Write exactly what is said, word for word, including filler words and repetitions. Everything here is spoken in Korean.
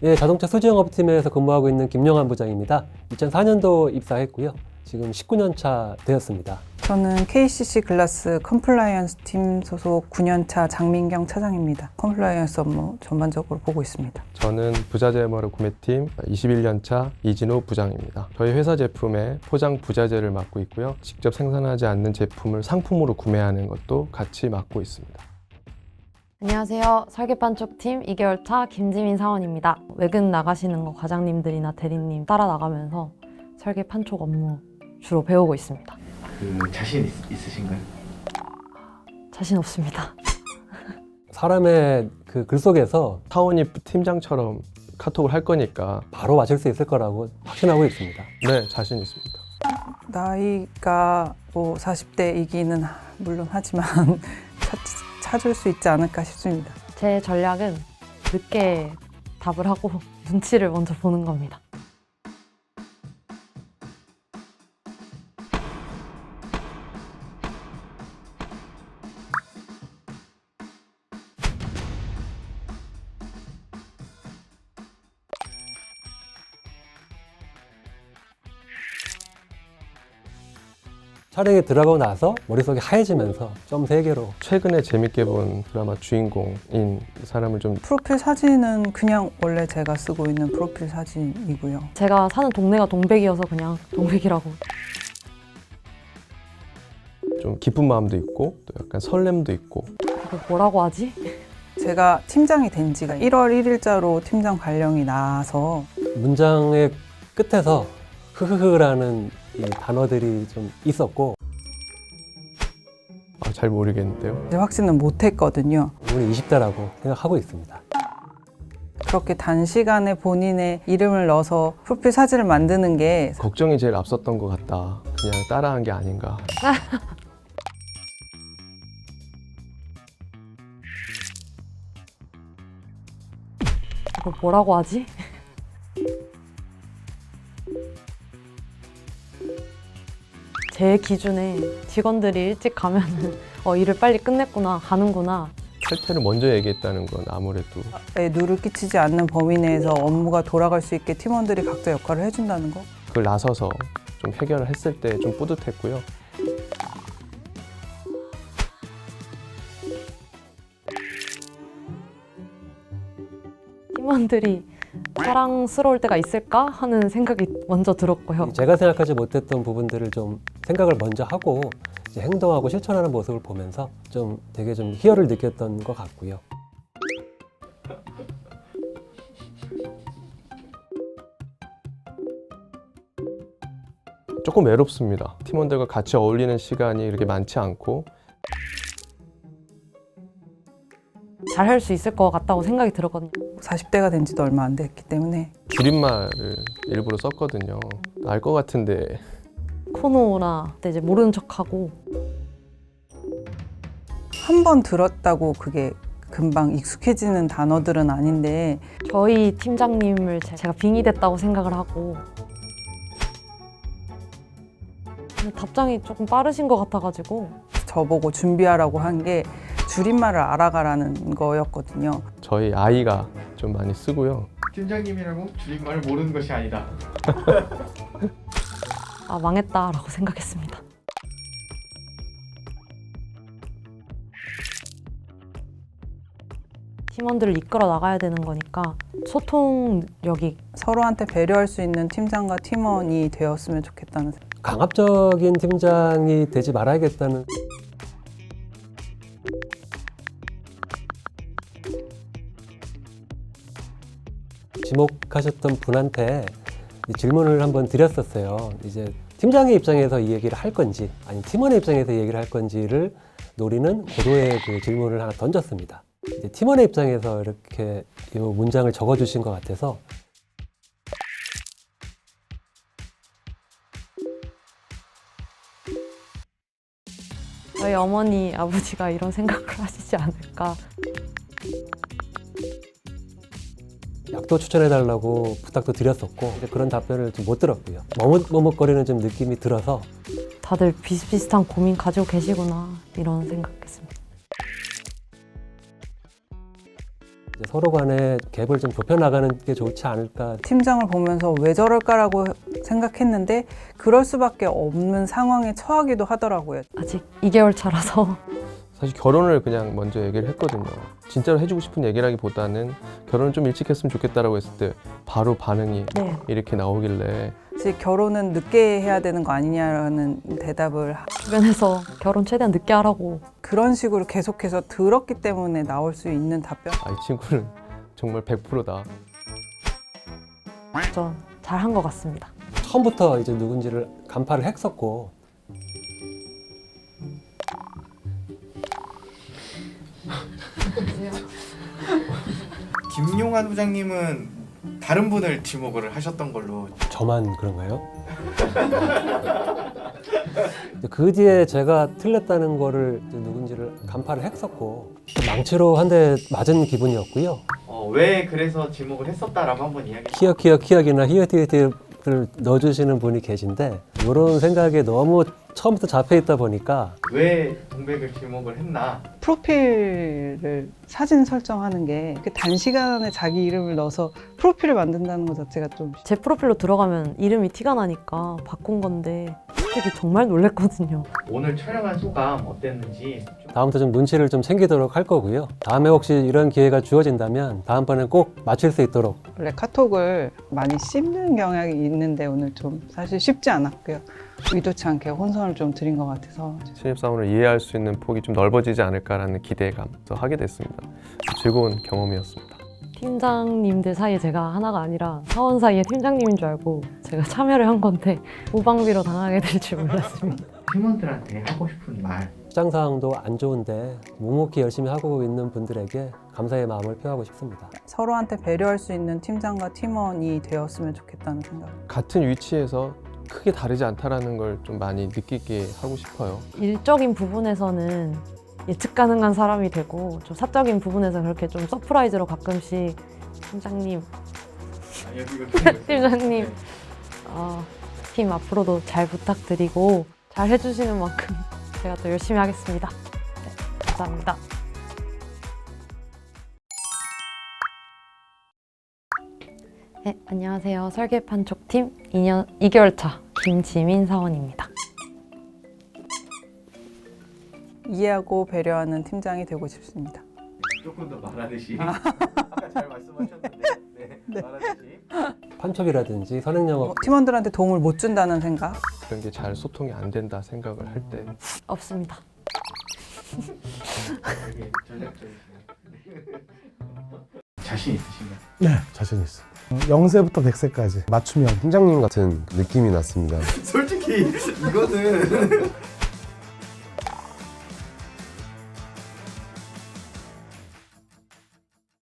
예, 자동차 수주영업팀에서 근무하고 있는 김영환 부장입니다. 이천사 년도 입사했고요. 지금 십구 년 차 되었습니다. 저는 케이씨씨 글라스 컴플라이언스 팀 소속 구 년 차 장민경 차장입니다. 컴플라이언스 업무 전반적으로 보고 있습니다. 저는 부자재 엠알오 구매팀 이십일 년 차 이진우 부장입니다. 저희 회사 제품의 포장 부자재를 맡고 있고요. 직접 생산하지 않는 제품을 상품으로 구매하는 것도 같이 맡고 있습니다. 안녕하세요. 설계판촉팀 이 개월 차 김지민 사원입니다. 외근 나가시는 거 과장님들이나 대리님 따라 나가면서 설계 판촉 업무 주로 배우고 있습니다. 그 자신 있, 있으신가요? 자신 없습니다. 사람의 그 글 속에서 사원이 팀장처럼 카톡을 할 거니까 바로 맞출 수 있을 거라고 확신하고 있습니다. 네, 자신 있습니다. 나이가 뭐 사십 대이기는 물론 하지만 찾, 찾을 수 있지 않을까 싶습니다. 제 전략은 늦게 답을 하고 눈치를 먼저 보는 겁니다. 촬영에 들어가고 나서 머릿속이 하얘지면서 점 세 개로 최근에 재밌게 본 드라마 주인공인 사람을 좀 프로필 사진은 그냥 원래 제가 쓰고 있는 프로필 사진이고요. 제가 사는 동네가 동백이어서 그냥 동백이라고. 좀 기쁜 마음도 있고 또 약간 설렘도 있고 이거 뭐라고 하지? 제가 팀장이 된 지가 일월 일일자로 팀장 발령이 나서 문장의 끝에서 흐흐흐라는 이 단어들이 좀 있었고 아, 잘 모르겠는데요. 이제 확신은 못했거든요. 우리 이십 대라고 생각하고 있습니다. 그렇게 단시간에 본인의 이름을 넣어서 프로필 사진을 만드는 게 걱정이 제일 앞섰던 것 같다. 그냥 따라한 게 아닌가. 이거 뭐라고 하지? 제 기준에 직원들이 일찍 가면은 어, 일을 빨리 끝냈구나, 가는구나. 탈퇴를 먼저 얘기했다는 건 아무래도 에 누를 끼치지 않는 범위 내에서 업무가 돌아갈 수 있게 팀원들이 각자 역할을 해준다는 거. 그걸 나서서 좀 해결을 했을 때 좀 뿌듯했고요. 팀원들이 사랑스러울 때가 있을까 하는 생각이 먼저 들었고요. 제가 생각하지 못했던 부분들을 좀 생각을 먼저 하고 이제 행동하고 실천하는 모습을 보면서 좀 되게 좀 희열을 느꼈던 것 같고요. 조금 외롭습니다. 팀원들과 같이 어울리는 시간이 이렇게 많지 않고 잘할 수 있을 것 같다고 생각이 들었거든요. 사십 대가 된 지도 얼마 안 됐기 때문에 줄임말을 일부러 썼거든요. 알 것 같은데 코노나 그때 이제 모르는 척하고 한 번 들었다고 그게 금방 익숙해지는 단어들은 아닌데 저희 팀장님을 제- 제가 빙의 됐다고 생각을 하고 근데 답장이 조금 빠르신 것 같아가지고 저보고 준비하라고 한 게 줄임말을 알아가라는 거였거든요. 저희 아이가 좀 많이 쓰고요. 팀장님이라고 줄임말을 모르는 것이 아니다. 아 망했다라고 생각했습니다. 팀원들을 이끌어 나가야 되는 거니까 소통력이 서로한테 배려할 수 있는 팀장과 팀원이 되었으면 좋겠다는 생각. 강압적인 팀장이 되지 말아야겠다는 지목하셨던 분한테 질문을 한번 드렸었어요. 이제 팀장의 입장에서 이 얘기를 할 건지 아니면 팀원의 입장에서 이 얘기를 할 건지를 노리는 고도의 그 질문을 하나 던졌습니다. 이제 팀원의 입장에서 이렇게 이 문장을 적어주신 것 같아서 저희 어머니, 아버지가 이런 생각을 하시지 않을까. 약도 추천해달라고 부탁도 드렸었고 이제 그런 답변을 좀 못 들었고요. 머뭇머뭇거리는 좀 느낌이 들어서 다들 비슷비슷한 고민 가지고 계시구나 이런 생각했습니다. 이제 서로 간에 갭을 좀 좁혀 나가는 게 좋지 않을까. 팀장을 보면서 왜 저럴까라고 생각했는데 그럴 수밖에 없는 상황에 처하기도 하더라고요. 아직 이 개월 차라서 사실 결혼을 그냥 먼저 얘기를 했거든요. 진짜로 해주고 싶은 얘기라기보다는 결혼을 좀 일찍 했으면 좋겠다라고 했을 때 바로 반응이 네. 이렇게 나오길래 제 결혼은 늦게 해야 되는 거 아니냐라는 대답을 하- 주변에서 결혼 최대한 늦게 하라고. 그런 식으로 계속해서 들었기 때문에 나올 수 있는 답변. 아, 이 친구는 정말 백 퍼센트다. 저 잘한 것 같습니다. 처음부터 이제 누군지를 간파를 했었고 김용환 부장님은 다른 분을 지목을 하셨던 걸로. 저만 그런가요? 그 뒤에 제가 틀렸다는 거를 이제 누군지를 간파를 했었고 망치로 한 대 맞은 기분이었고요. 어, 왜 그래서 지목을 했었다라고 한번 이야기. 키역 키역 키역이나 히읗히읗을 넣어주시는 분이 계신데 이런 생각에 너무 처음부터 잡혀 있다 보니까 왜 동백을 지목을 했나? 프로필을 사진 설정하는 게 그 단시간에 자기 이름을 넣어서 프로필을 만든다는 것 자체가 좀 제 프로필로 들어가면 이름이 티가 나니까 바꾼 건데 솔직히 정말 놀랬거든요. 오늘 촬영한 소감 어땠는지. 좀... 다음부터 좀 눈치를 좀 챙기도록 할 거고요. 다음에 혹시 이런 기회가 주어진다면 다음번엔 꼭 맞출 수 있도록. 원래 카톡을 많이 씹는 경향이 있는데 오늘 좀 사실 쉽지 않았고요. 의도치 않게 혼선을 좀 드린 것 같아서 신입사원을 이해할 수 있는 폭이 좀 넓어지지 않을까라는 기대감도 하게 됐습니다. 즐거운 경험이었습니다. 팀장님들 사이에 제가 하나가 아니라 사원 사이에 팀장님인 줄 알고 제가 참여를 한 건데 무방비로 당하게 될 줄 몰랐습니다. 팀원들한테 하고 싶은 말. 시장 상황도 안 좋은데 묵묵히 열심히 하고 있는 분들에게 감사의 마음을 표하고 싶습니다. 서로한테 배려할 수 있는 팀장과 팀원이 되었으면 좋겠다는 생각. 같은 위치에서 크게 다르지 않다라는 걸 좀 많이 느끼게 하고 싶어요. 일적인 부분에서는 예측 가능한 사람이 되고 좀 사적인 부분에서 그렇게 좀 서프라이즈로 가끔씩 팀장님, 아, 여기 이거 팀장님 어, 팀 앞으로도 잘 부탁드리고 잘 해주시는 만큼 제가 더 열심히 하겠습니다. 네, 감사합니다. 네, 안녕하세요. 설계판촉팀 이 년 이 개월 차 김지민 사원입니다. 이해하고 배려하는 팀장이 되고 싶습니다. 조금 더 말하듯이. 아까 잘 말씀하셨는데. 네. 말하듯이. 판촉이라든지 선행영업 뭐, 팀원들한테 도움을 못 준다는 생각. 그런 게 잘 소통이 안 된다 생각을 할 때 없습니다. 되게 전략적이시네요. 자신 있으신가요? 네, 자신 있어. 영 세부터 백 세까지 맞춤형. 팀장님 같은 느낌이 났습니다. 솔직히 이거는